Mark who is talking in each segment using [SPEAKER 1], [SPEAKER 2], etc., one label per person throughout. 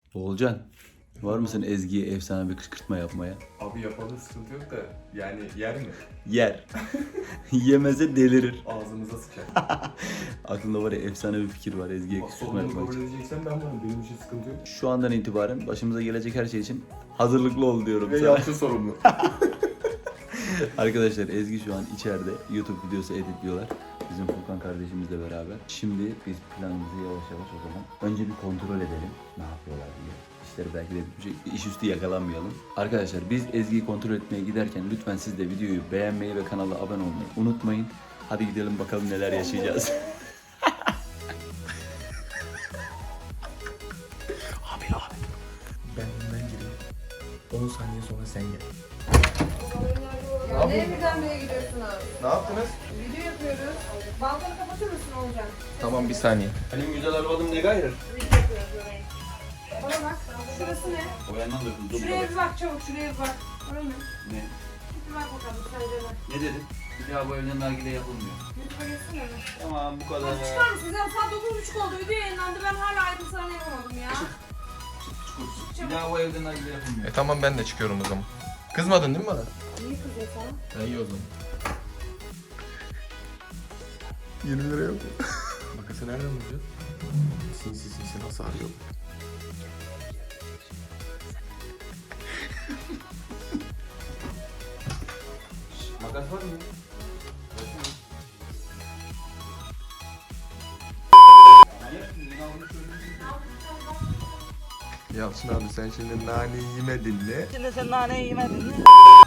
[SPEAKER 1] Oğulcan, var mısın Ezgi'ye efsane bir kışkırtma yapmaya?
[SPEAKER 2] Abi yapalım, sıkıntı yok da yani yer mi?
[SPEAKER 1] Yer. Yemeze delirir.
[SPEAKER 2] Ağzımıza sıçar.
[SPEAKER 1] Aklında var ya efsane bir fikir var Ezgi'ye
[SPEAKER 2] Bak,
[SPEAKER 1] kışkırtma
[SPEAKER 2] sorumluluğu
[SPEAKER 1] yapmak
[SPEAKER 2] kabul
[SPEAKER 1] için.
[SPEAKER 2] edeceksen ben varım, benim için sıkıntı yok.
[SPEAKER 1] Şu andan itibaren başımıza gelecek her şey için hazırlıklı ol diyorum
[SPEAKER 2] Ve
[SPEAKER 1] sana.
[SPEAKER 2] yaptı sorumlu.
[SPEAKER 1] Arkadaşlar Ezgi şu an içeride YouTube videosu editliyorlar. Bizim Furkan kardeşimizle beraber. Şimdi biz planımızı yavaş yavaş o zaman önce bir kontrol edelim. Ne yapıyorlar diye. İşleri belki de bir şey, iş üstü yakalanmayalım. Arkadaşlar biz Ezgi'yi kontrol etmeye giderken lütfen siz de videoyu beğenmeyi ve kanala abone olmayı unutmayın. Hadi gidelim bakalım neler yaşayacağız.
[SPEAKER 2] Abi. Ben önden gireyim. 10 saniye sonra sen gel.
[SPEAKER 3] Nereye birdenbire gidiyorsunuz?
[SPEAKER 2] Ne yaptınız?
[SPEAKER 3] Video yapıyoruz. Balkonu kapatır mısın Olcan?
[SPEAKER 2] Tamam, bir saniye.
[SPEAKER 1] Benim güzel arabam ne gayrı?
[SPEAKER 3] Video yapıyoruz orayı. Bana bak. Şurası ne?
[SPEAKER 1] O yandan da kızdım.
[SPEAKER 3] Şuraya bir bak çabuk, şuraya bir bak. Orası ne?
[SPEAKER 1] Ne?
[SPEAKER 3] Bir bak bakalım sence ne?
[SPEAKER 1] Ne dedin? Bir daha bu evden nargile yapılmıyor.
[SPEAKER 3] YouTube'a geçsene mi?
[SPEAKER 1] Tamam bu kadar.
[SPEAKER 3] Hadi çıkar mısınız ya? Saat 9.30 oldu. Video yayınlandı. Ben hala ayrıntılarını yapamadım ya.
[SPEAKER 1] Bir daha bu evden nargile yapılmıyor.
[SPEAKER 2] Tamam, ben de çıkıyorum o zaman. Kızmadın değil mi bana?
[SPEAKER 3] Niye kızıyor sana?
[SPEAKER 2] İyi o zaman. 20 lira yok. Makası nereden bulacağız? Sinsi nasıl arıyor?
[SPEAKER 1] Makas var mı?
[SPEAKER 2] Yalçın abi, sen şimdi naneyi yemedin mi?
[SPEAKER 4] Şimdi sen naneyi yemedin mi?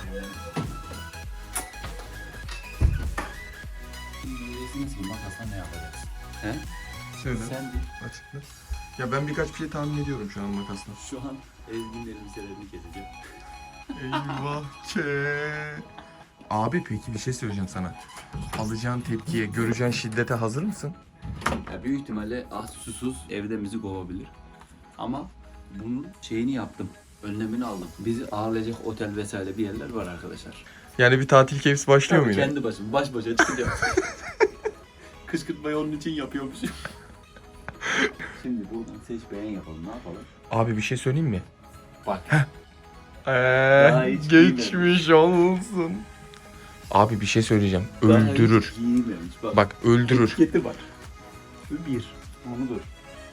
[SPEAKER 1] Diyeceksiniz ki makasla ne yapacaksın? He?
[SPEAKER 2] Söyle.
[SPEAKER 1] Sen değil.
[SPEAKER 2] Açıkla. Ya ben birkaç bir şey tahmin ediyorum şu an makasla.
[SPEAKER 1] Şu an Ezgi'nin elbiselerini keseceğim.
[SPEAKER 2] Eyvah ke. Abi peki bir şey söyleyeceğim sana. Alacağın tepkiye, göreceğin şiddete hazır mısın?
[SPEAKER 1] Ya büyük ihtimalle susuz evde bizi kovabilir. Ama bunun şeyini yaptım. Önlemini aldım. Bizi ağırlayacak otel vesaire bir yerler var arkadaşlar.
[SPEAKER 2] Yani bir tatil keyfisi başlıyor mu yine?
[SPEAKER 1] Kendi başım, baş başa çıkacağım. Kışkırtmayı onun için yapıyormuşum. Şimdi buradan seç beğen yapalım. Ne yapalım?
[SPEAKER 2] Abi bir şey söyleyeyim mi?
[SPEAKER 1] Bak.
[SPEAKER 2] Eee
[SPEAKER 1] hiç
[SPEAKER 2] geçmiş olsun. Abi bir şey söyleyeceğim. Öldürür.
[SPEAKER 1] Daha hiç giymemiş.
[SPEAKER 2] Bak öldürür.
[SPEAKER 1] Etiketi var. Şu bir. Onu dur.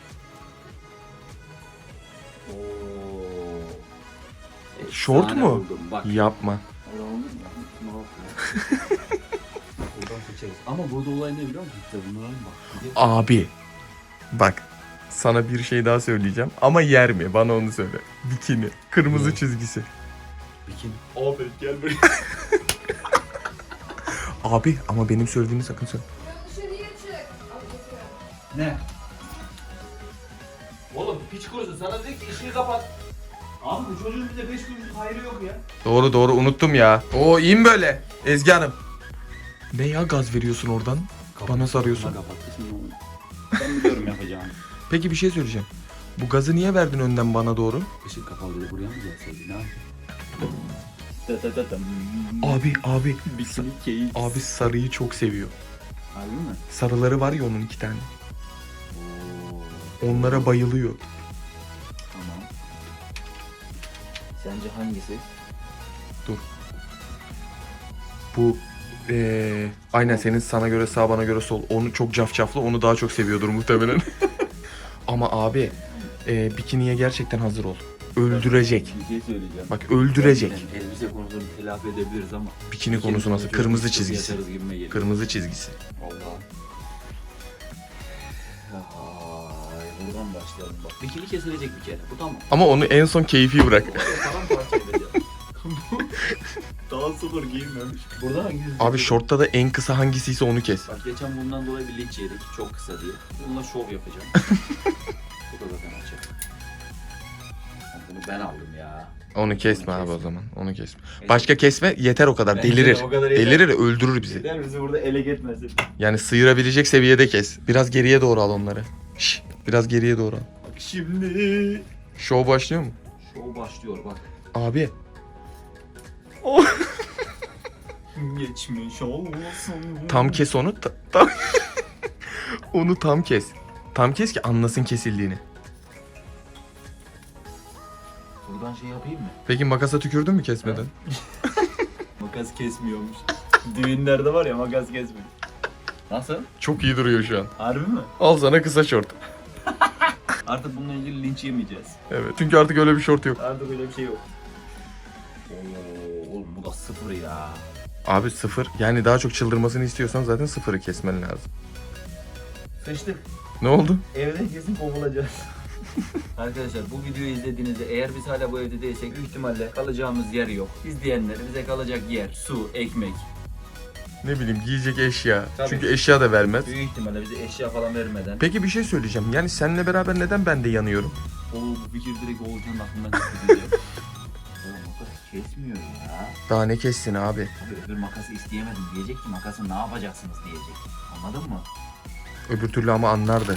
[SPEAKER 1] Oo.
[SPEAKER 2] Şort
[SPEAKER 1] Efsane
[SPEAKER 2] mu?
[SPEAKER 1] buldum, bak.
[SPEAKER 2] Yapma.
[SPEAKER 1] Öyle oldu mu? Ne yapıyor? Buradan seçeriz. Ama burada olay ne biliyor musun? İşte bunlara bak. Bir de-
[SPEAKER 2] Abi. Bak. Sana bir şey daha söyleyeceğim. Ama yer mi? Bana onu söyle. Bikini. Kırmızı
[SPEAKER 1] Ne?
[SPEAKER 2] çizgisi.
[SPEAKER 1] Bikini. Abi gel buraya.
[SPEAKER 2] Abi ama benim söylediğimi sakın söyle.
[SPEAKER 3] Dışarıya çık. Al getiriyorum.
[SPEAKER 1] Ne? Oğlum piç kurusu sana dedi ki işini kapat. Abi bu çocuğun bize 5 kuruşluk hayrı yok ya.
[SPEAKER 2] Doğru unuttum ya. Oo iyi mi böyle? Ezgi Hanım. Ne ya, gaz veriyorsun oradan? Bana sarıyorsun.
[SPEAKER 1] Kapattı şimdi onu. Ben biliyorum yapacağımı.
[SPEAKER 2] Peki bir şey söyleyeceğim. Bu gazı niye verdin önden bana doğru?
[SPEAKER 1] Işık kapalı dedi buraya mı gelseydi ne yapayım?
[SPEAKER 2] Abi.
[SPEAKER 1] Bikini keyif.
[SPEAKER 2] Abi sarıyı çok seviyor.
[SPEAKER 1] Harbi mi?
[SPEAKER 2] Sarıları var ya onun 2 tane.
[SPEAKER 1] Oo,
[SPEAKER 2] Onlara bayılıyor.
[SPEAKER 1] tamam. Sence hangisi?
[SPEAKER 2] Bu aynen senin sana göre sağ bana göre sol. Onu çok cafcaflı, onu daha çok seviyordur muhtemelen. Ama abi bikiniye gerçekten hazır ol. Öldürecek.
[SPEAKER 1] Bir şey söyleyeceğim.
[SPEAKER 2] Bak öldürecek.
[SPEAKER 1] Yani elbise konusunu telafi edebiliriz ama.
[SPEAKER 2] Bikini konusu nasıl? Kırmızı
[SPEAKER 1] Çok
[SPEAKER 2] çizgisi.
[SPEAKER 1] yatarız gibime geliyor.
[SPEAKER 2] Kırmızı çizgisi.
[SPEAKER 1] Allah. Ay, buradan başlayalım bak. Bikini kesilecek bir kere. Bu tamam.
[SPEAKER 2] Ama onu en son keyfi bırak.
[SPEAKER 1] Paramparça edeceğim. Daha sıfır giyinmemiş. Burada hangisi?
[SPEAKER 2] Abi şortta da en kısa hangisiyse onu kes.
[SPEAKER 1] Bak geçen bundan dolayı bir linç yedik. Çok kısa diye. Bununla şov yapacağım. Bu da zaten açık. Bunu ben aldım ya.
[SPEAKER 2] Onu kesme abi o zaman. Onu kesme. Başka kesme yeter o kadar.
[SPEAKER 1] Bence
[SPEAKER 2] Delirir.
[SPEAKER 1] de o kadar yeter.
[SPEAKER 2] Delirir, öldürür bizi.
[SPEAKER 1] Gider bizi burada ele gitmesin.
[SPEAKER 2] Yani sıyırabilecek seviyede kes. Biraz geriye doğru al onları. Şş, biraz geriye doğru al.
[SPEAKER 1] Bak şimdi.
[SPEAKER 2] Show başlıyor mu?
[SPEAKER 1] Şov başlıyor bak.
[SPEAKER 2] Abi.
[SPEAKER 1] Geçmiş olsun.
[SPEAKER 2] Tam kes onu. Tam. Onu tam kes. Tam kes ki anlasın kesildiğini.
[SPEAKER 1] Buradan şey yapayım mı?
[SPEAKER 2] Peki makasa tükürdün mü kesmeden?
[SPEAKER 1] Makas kesmiyormuş. Düğünlerde var ya makas kesmiyor. Nasıl?
[SPEAKER 2] Çok iyi duruyor şu an.
[SPEAKER 1] Harbi mi?
[SPEAKER 2] Al sana kısa şort.
[SPEAKER 1] Artık bununla ilgili linç yemeyeceğiz.
[SPEAKER 2] Evet. Çünkü artık öyle bir şort yok.
[SPEAKER 1] Artık öyle bir şey yok. Oo, oğlum bu da sıfır ya.
[SPEAKER 2] Abi sıfır. Yani daha çok çıldırmasını istiyorsan zaten sıfırı kesmen lazım.
[SPEAKER 1] Sıçtık.
[SPEAKER 2] Ne oldu?
[SPEAKER 1] Evde kesin kovulacağız. Arkadaşlar bu videoyu izlediğinizde eğer biz hala bu evde değilsek büyük ihtimalle kalacağımız yer yok. İzleyenler bize kalacak yer, su, ekmek.
[SPEAKER 2] Ne bileyim giyecek eşya.
[SPEAKER 1] Tabii.
[SPEAKER 2] Çünkü eşya da vermez.
[SPEAKER 1] Büyük ihtimalle bize eşya falan vermeden.
[SPEAKER 2] Peki bir şey söyleyeceğim. Yani seninle beraber neden ben de yanıyorum?
[SPEAKER 1] Bu fikir direkt Oğulcan'ın aklından çıktı. Oğlum makas kesmiyor ya.
[SPEAKER 2] Daha ne kessin abi?
[SPEAKER 1] Tabii öbür makası isteyemedim diyecek ki makası ne yapacaksınız diyecek. Anladın mı?
[SPEAKER 2] Öbür türlü ama anlardı.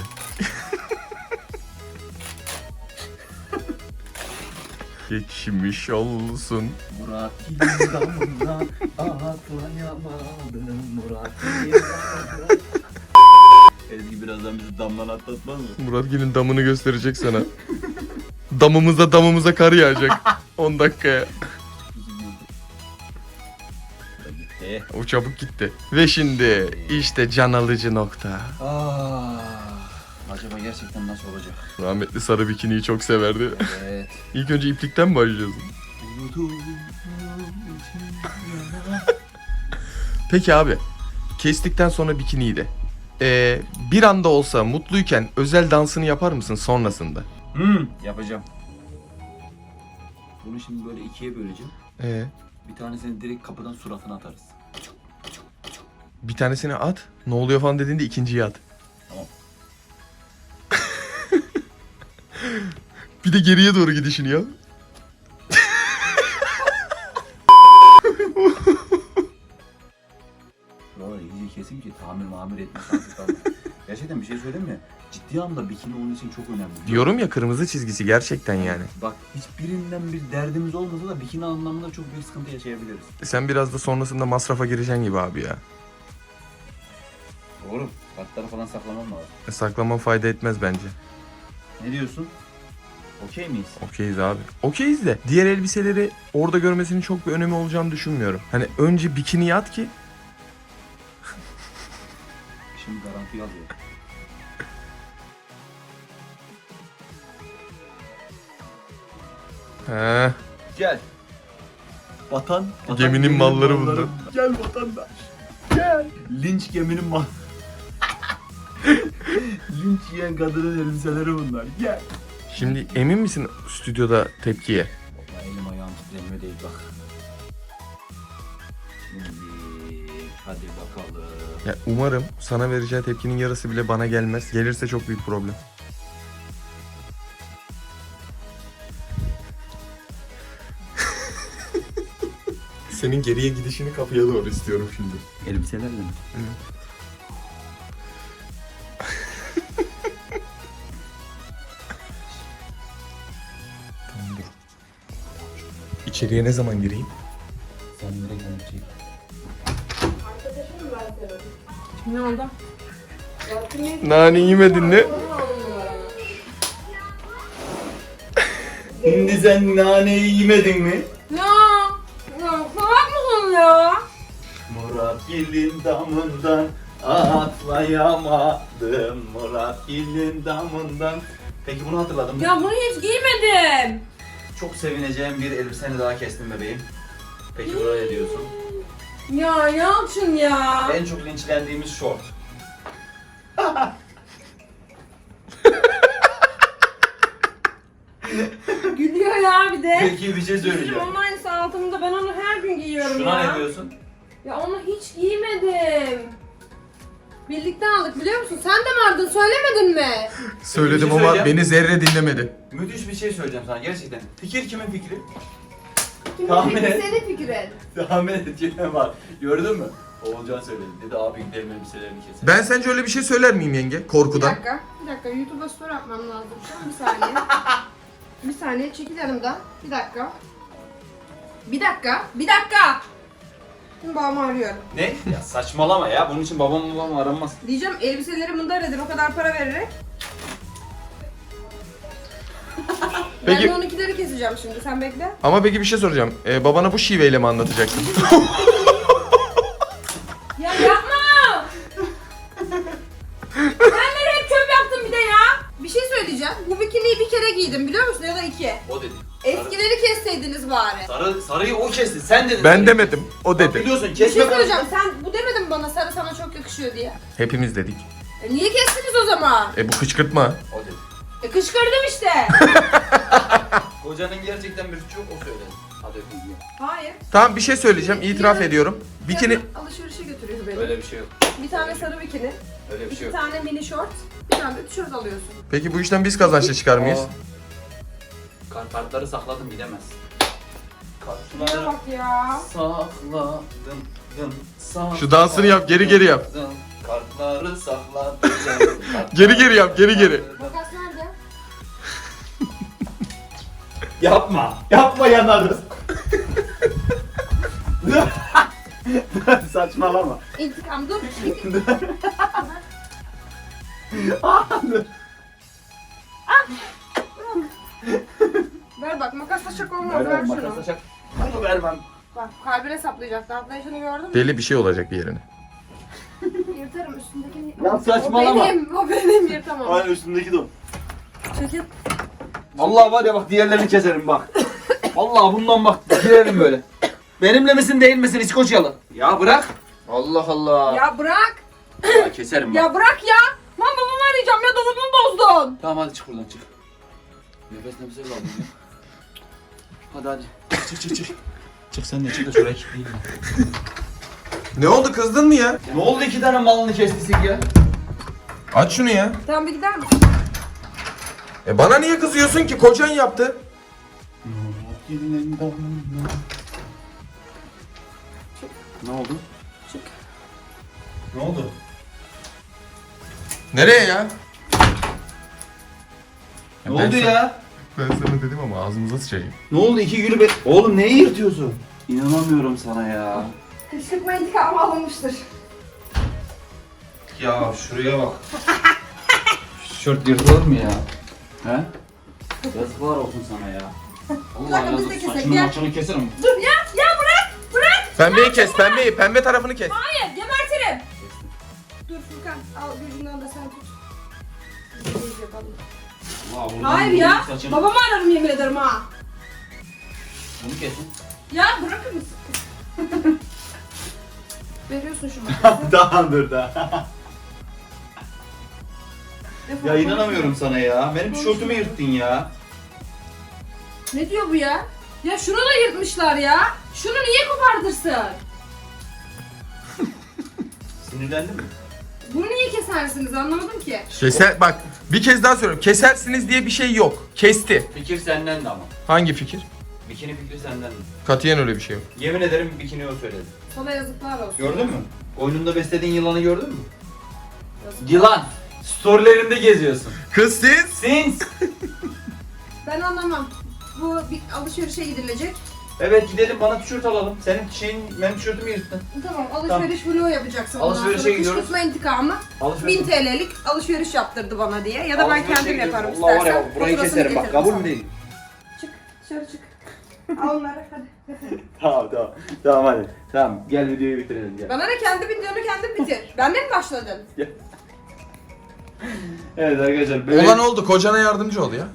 [SPEAKER 2] Geçmiş olsun.
[SPEAKER 1] Murat Hil'in damından atlayamadım Murat Hil'in damından. Ezgi birazdan bizi damdan atlatmaz mı?
[SPEAKER 2] Muratgil'in damını gösterecek sana. Damımıza kar yağacak. 10 dakikaya.
[SPEAKER 1] Gitti.
[SPEAKER 2] O çabuk gitti. Ve şimdi işte can alıcı nokta.
[SPEAKER 1] Acaba gerçekten nasıl olacak?
[SPEAKER 2] Rahmetli sarı bikiniyi çok severdi.
[SPEAKER 1] Evet.
[SPEAKER 2] İlk önce iplikten mi başlayacağız? Peki abi. Kestikten sonra bikiniyi de. Bir anda olsa mutluyken özel dansını yapar mısın sonrasında?
[SPEAKER 1] Yapacağım. Bunu şimdi böyle ikiye böleceğim. Bir tanesini direkt kapıdan suratına atarız.
[SPEAKER 2] Bir tanesini at. Ne oluyor falan dediğinde ikinciyi at.
[SPEAKER 1] Tamam.
[SPEAKER 2] Bir de geriye doğru gidişini yap.
[SPEAKER 1] Buralar iyice kesin ki tamir etme şansı kalmadı. Gerçekten bir şey söyleyeyim mi? Ciddi anlamda bikini onun için çok önemli.
[SPEAKER 2] Diyorum ya kırmızı çizgisi gerçekten yani.
[SPEAKER 1] Bak hiçbirinden bir derdimiz olmasa da bikini anlamında çok büyük sıkıntı yaşayabiliriz.
[SPEAKER 2] Sen biraz da sonrasında masrafa gireceksin gibi abi ya.
[SPEAKER 1] Doğru. Kartları falan saklamam lazım.
[SPEAKER 2] Saklaman fayda etmez bence.
[SPEAKER 1] Ne diyorsun? Okey miyiz?
[SPEAKER 2] Okeyiz abi. Okeyiz de diğer elbiseleri orada görmesinin çok bir önemi olacağını düşünmüyorum. Hani önce bikini at ki.
[SPEAKER 1] Şimdi garanti yazıyor.
[SPEAKER 2] He.
[SPEAKER 1] Gel. Vatan
[SPEAKER 2] Geminin malları bunlar.
[SPEAKER 1] Gel vatandaş. Gel. Linç geminin mal. Linç yiyen kadının elbiseleri bunlar. Gel.
[SPEAKER 2] Şimdi emin misin stüdyoda tepkiye?
[SPEAKER 1] Bak, elim ayağım titremiyor değil bak. Şimdi hadi bakalım.
[SPEAKER 2] Ya umarım sana vereceği tepkinin yarısı bile bana gelmez. Gelirse çok büyük problem. Senin geriye gidişini kapıya doğru istiyorum şimdi.
[SPEAKER 1] Elbiselerle mi?
[SPEAKER 2] Tamam dur. İçeriye ne zaman gireyim?
[SPEAKER 1] Sen direkt onu çek.
[SPEAKER 3] Arkadaşım ben senin. Ne oldu?
[SPEAKER 2] Nane yemedin mi?
[SPEAKER 1] Şimdi sen naneyi yemedin mi?
[SPEAKER 3] Ya salak mısın ya?
[SPEAKER 1] Murat Gil'in damından atlayamadım Murat Gil'in damından. Peki bunu hatırladın mı?
[SPEAKER 3] Ya bunu hiç giymedim.
[SPEAKER 1] Çok sevineceğim bir elbiseni daha kestim bebeğim. Peki buraya diyorsun.
[SPEAKER 3] Ya Yalçın ya.
[SPEAKER 1] En çok linçlendiğimiz şort.
[SPEAKER 3] Gülüyor ya bir de.
[SPEAKER 1] Peki bir şey
[SPEAKER 3] Bizim
[SPEAKER 1] söyleyeceğim.
[SPEAKER 3] onun aynısı altımda, ben onu her gün giyiyorum
[SPEAKER 1] Şuna
[SPEAKER 3] ya.
[SPEAKER 1] ne diyorsun?
[SPEAKER 3] Ya onu hiç giymedim. Birlikte aldık biliyor musun? Sen de vardın, söylemedin mi?
[SPEAKER 2] Söyledim
[SPEAKER 1] Bir şey
[SPEAKER 2] ama
[SPEAKER 1] söyleyeceğim.
[SPEAKER 2] beni zerre dinlemedi.
[SPEAKER 1] Müthiş bir şey söyleyeceğim sana gerçekten. Fikir kimin fikri?
[SPEAKER 3] Kimin
[SPEAKER 1] Tahmin
[SPEAKER 3] fikri?
[SPEAKER 1] et.
[SPEAKER 3] Senin fikrin.
[SPEAKER 1] Tahmin edeceğim var. Gördün mü? Oğulcan söyledi. Dedi abi gidelim elbiselerini keselim.
[SPEAKER 2] Ben sence öyle bir şey söyler miyim yenge?
[SPEAKER 3] Bir
[SPEAKER 2] Korkudan.
[SPEAKER 3] dakika. YouTube'a story atmam lazım şu an. Bir saniye. Bir saniye, çekil yanımdan. Bir dakika. Şimdi babamı arıyorum.
[SPEAKER 1] Ne? Ya saçmalama ya. Bunun için babam aranmaz.
[SPEAKER 3] Diyeceğim elbiseleri mındar edin o kadar para vererek.
[SPEAKER 2] Peki-
[SPEAKER 3] Ben de 12'leri keseceğim. yazacağım şimdi, sen bekle.
[SPEAKER 2] Ama peki bir şey soracağım. Babana bu şiveyle mi anlatacaksın?
[SPEAKER 3] Ya yapma! Ben nereye çöp yaptım bir de ya? Bir şey söyleyeceğim. Bu bikiniyi bir kere giydim biliyor musun, ya da iki.
[SPEAKER 1] O dedi.
[SPEAKER 3] Eskileri kesseydiniz bari.
[SPEAKER 1] Sarıyı o kesti. Sen dedin.
[SPEAKER 2] Ben demedim. O dedi.
[SPEAKER 1] Biliyorsun
[SPEAKER 3] Bir şey
[SPEAKER 1] kesme
[SPEAKER 3] söyleyeceğim. Sen bu demedin mi bana sarı sana çok yakışıyor diye?
[SPEAKER 2] Hepimiz dedik.
[SPEAKER 3] Niye kestiniz o zaman?
[SPEAKER 2] Bu kışkırtma.
[SPEAKER 1] O dedi.
[SPEAKER 3] Kışkırdım işte.
[SPEAKER 1] Kocanın gerçekten bir çok o söyledi. Hadi öpeyim.
[SPEAKER 3] Hayır.
[SPEAKER 2] Tamam bir şey söyleyeceğim. İtiraf ediyorum. Bikini...
[SPEAKER 3] Yarın alışverişe götürüyor beni.
[SPEAKER 1] Öyle bir şey yok.
[SPEAKER 3] Bir tane sarı bikini,
[SPEAKER 1] Öyle bir şey
[SPEAKER 3] iki
[SPEAKER 1] yok.
[SPEAKER 3] tane mini short, bir tane de tişört alıyorsun.
[SPEAKER 2] Peki bu işten biz kazançlı çıkar mıyız?
[SPEAKER 1] Kartları sakladım gidemez.
[SPEAKER 3] Şuna
[SPEAKER 1] Kartları
[SPEAKER 3] bak ya.
[SPEAKER 1] sakladım.
[SPEAKER 2] Şu dansını yap, geri geri yap.
[SPEAKER 1] Kartları sakladım.
[SPEAKER 2] Geri geri yap, geri geri.
[SPEAKER 3] Makas nerede?
[SPEAKER 1] Yapma. Yapma yanarız. Saçmalama.
[SPEAKER 3] İntikam dur.
[SPEAKER 1] Dur.
[SPEAKER 3] Ver bak, makasla şaka olmaz, ver şunu.
[SPEAKER 1] Bunu vermem.
[SPEAKER 3] Bak, kalbine saplayacaktı. Atlayışını gördün mü?
[SPEAKER 2] Deli bir şey olacak bir yerine.
[SPEAKER 3] Yırtarım üstündekini.
[SPEAKER 1] Ya saçmalama.
[SPEAKER 3] O benim, yırtamam.
[SPEAKER 1] Aynen üstündeki de o.
[SPEAKER 3] Çekil.
[SPEAKER 1] Vallahi var ya bak diğerlerini keserim bak. Vallahi bundan bak girelim böyle. Benimle misin değil misin İskoçyalı? Ya bırak. Allah Allah.
[SPEAKER 3] Ya bırak.
[SPEAKER 1] Ya keserim bak.
[SPEAKER 3] Ya bırak ya. Lan babamı arayacağım ya, dolabımı bozdun.
[SPEAKER 1] Tamam hadi çık buradan çık. Nefes aldım ya. Hadi hadi. Çık. Çık sen de çık da şuraya kilitleyeyim.
[SPEAKER 2] Ne oldu, kızdın mı ya?
[SPEAKER 1] Ne oldu 2 tane malını kestisik ya?
[SPEAKER 2] Aç şunu ya.
[SPEAKER 3] Tamam, bir gider misin?
[SPEAKER 2] Bana niye kızıyorsun ki? Kocan yaptı.
[SPEAKER 1] Ne oldu?
[SPEAKER 3] Çık.
[SPEAKER 1] Ne oldu?
[SPEAKER 2] Nereye ya?
[SPEAKER 1] Ne oldu ya?
[SPEAKER 2] Ben sana dedim ama ağzımıza sıçayım.
[SPEAKER 1] Ne oldu 2 gülü be... Oğlum neyi yırtıyorsun? İnanamıyorum sana ya.
[SPEAKER 3] Kışkırtma intikamı alınmıştır.
[SPEAKER 1] Ya şuraya bak. Tişört yırtılır mı ya? He? Yazıklar olsun sana ya. Allah
[SPEAKER 3] dakika, biz de
[SPEAKER 1] yazık
[SPEAKER 3] kesek
[SPEAKER 1] saçını
[SPEAKER 3] ya.
[SPEAKER 1] maçını keserim.
[SPEAKER 3] Dur ya, ya bırak, bırak.
[SPEAKER 2] Pembeyi kes, pembeyi. Pembe tarafını kes.
[SPEAKER 3] Hayır, gebertirim. Dur Furkan, al gözünden de sen tut. Biz de yapalım.
[SPEAKER 1] Allah, buradan
[SPEAKER 3] Hayır ya,
[SPEAKER 1] saçını-
[SPEAKER 3] babamı ararım yemin ederim ha.
[SPEAKER 1] Bunu kesin.
[SPEAKER 3] Ya bırakır mısın? Veriyorsun şu makası.
[SPEAKER 1] Daha dur daha.
[SPEAKER 3] Defol,
[SPEAKER 1] Ya inanamıyorum
[SPEAKER 3] konuşma.
[SPEAKER 1] sana ya. Benim tişörtümü yırttın ya.
[SPEAKER 3] Ne diyor bu ya? Ya şunu da yırtmışlar ya. Şunu niye kopartırsın?
[SPEAKER 1] Sinirlendin mi?
[SPEAKER 3] Bunu niye kesersiniz, anlamadım ki.
[SPEAKER 2] Keser, bak bir kez daha söylüyorum. Kesersiniz diye bir şey yok. Kesti.
[SPEAKER 1] Fikir senden de ama.
[SPEAKER 2] Hangi fikir?
[SPEAKER 1] Bikini fikri senden de.
[SPEAKER 2] Katiyen öyle bir şey yok.
[SPEAKER 1] Yemin ederim bikini o söyledi.
[SPEAKER 3] Sana yazıklar olsun.
[SPEAKER 1] Gördün mü? Oyununda beslediğin yılanı gördün mü?
[SPEAKER 3] Yazıklar.
[SPEAKER 1] Yılan. Storylerinde geziyorsun.
[SPEAKER 2] Kız siz?
[SPEAKER 1] Sins.
[SPEAKER 3] Ben anlamam. Bu bir alışverişe gidilecek.
[SPEAKER 1] Evet gidelim bana tişört alalım. Senin benim tişörtümü yırttın.
[SPEAKER 3] Tamam, alışveriş vlogu yapacaksın.
[SPEAKER 1] Alışverişe gidiyoruz.
[SPEAKER 3] Kışkırtma intikamı.
[SPEAKER 1] Alışveriş.
[SPEAKER 3] 1000 TL'lik alışveriş yaptırdı bana diye. Ya da ben
[SPEAKER 1] Alışverişe
[SPEAKER 3] kendim
[SPEAKER 1] gidiyoruz.
[SPEAKER 3] yaparım
[SPEAKER 1] Allah var
[SPEAKER 3] istersen.
[SPEAKER 1] ya burayı
[SPEAKER 3] Faturasını
[SPEAKER 1] keserim bak
[SPEAKER 3] getiririm
[SPEAKER 1] kabul
[SPEAKER 3] sana.
[SPEAKER 1] mü değil?
[SPEAKER 3] Çık, dışarı çık. Al onları hadi.
[SPEAKER 1] Tamam. Tamam hadi. Tamam gel videoyu bitirelim gel.
[SPEAKER 3] Bana ne, kendi videonu kendin bitir. Benden mi başladın?
[SPEAKER 1] Evet arkadaşlar.
[SPEAKER 2] Olan oldu. Kocana yardımcı ol ya.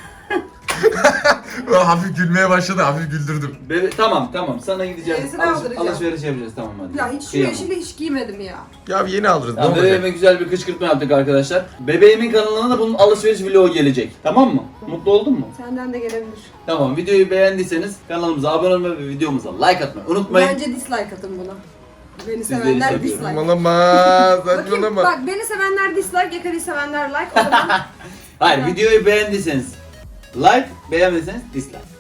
[SPEAKER 2] Hafif gülmeye başladı. Hafif güldürdüm.
[SPEAKER 1] Tamam sana gideceğiz.
[SPEAKER 3] Yenisini aldıracağım.
[SPEAKER 1] Alışveriş yapacağız tamam hadi.
[SPEAKER 3] Ya hiç şu
[SPEAKER 1] Kıyamam.
[SPEAKER 3] yeşili hiç giymedim ya.
[SPEAKER 2] Ya yeni alırız. Ne
[SPEAKER 1] Tamam,
[SPEAKER 2] olacak?
[SPEAKER 1] bebeğime güzel bir kışkırtma yaptık arkadaşlar. Bebeğimin kanalına da bunun alışveriş vlogu gelecek. Tamam mı? Mutlu oldun mu?
[SPEAKER 3] Senden de gelebilir.
[SPEAKER 1] Tamam videoyu beğendiyseniz kanalımıza abone olmayı ve videomuza like atmayı unutmayın.
[SPEAKER 3] Bence dislike atın buna. Beni
[SPEAKER 1] Sizleri
[SPEAKER 3] sevenler
[SPEAKER 1] seviyorum.
[SPEAKER 3] dislike.
[SPEAKER 2] Saçmalama.
[SPEAKER 3] Bakayım,
[SPEAKER 2] Saçmalama.
[SPEAKER 3] bak beni sevenler dislike, Yakarı'yı sevenler like. O zaman
[SPEAKER 1] Hayır
[SPEAKER 3] Evet.
[SPEAKER 1] videoyu beğendiyseniz like, beğenmediyseniz dislike.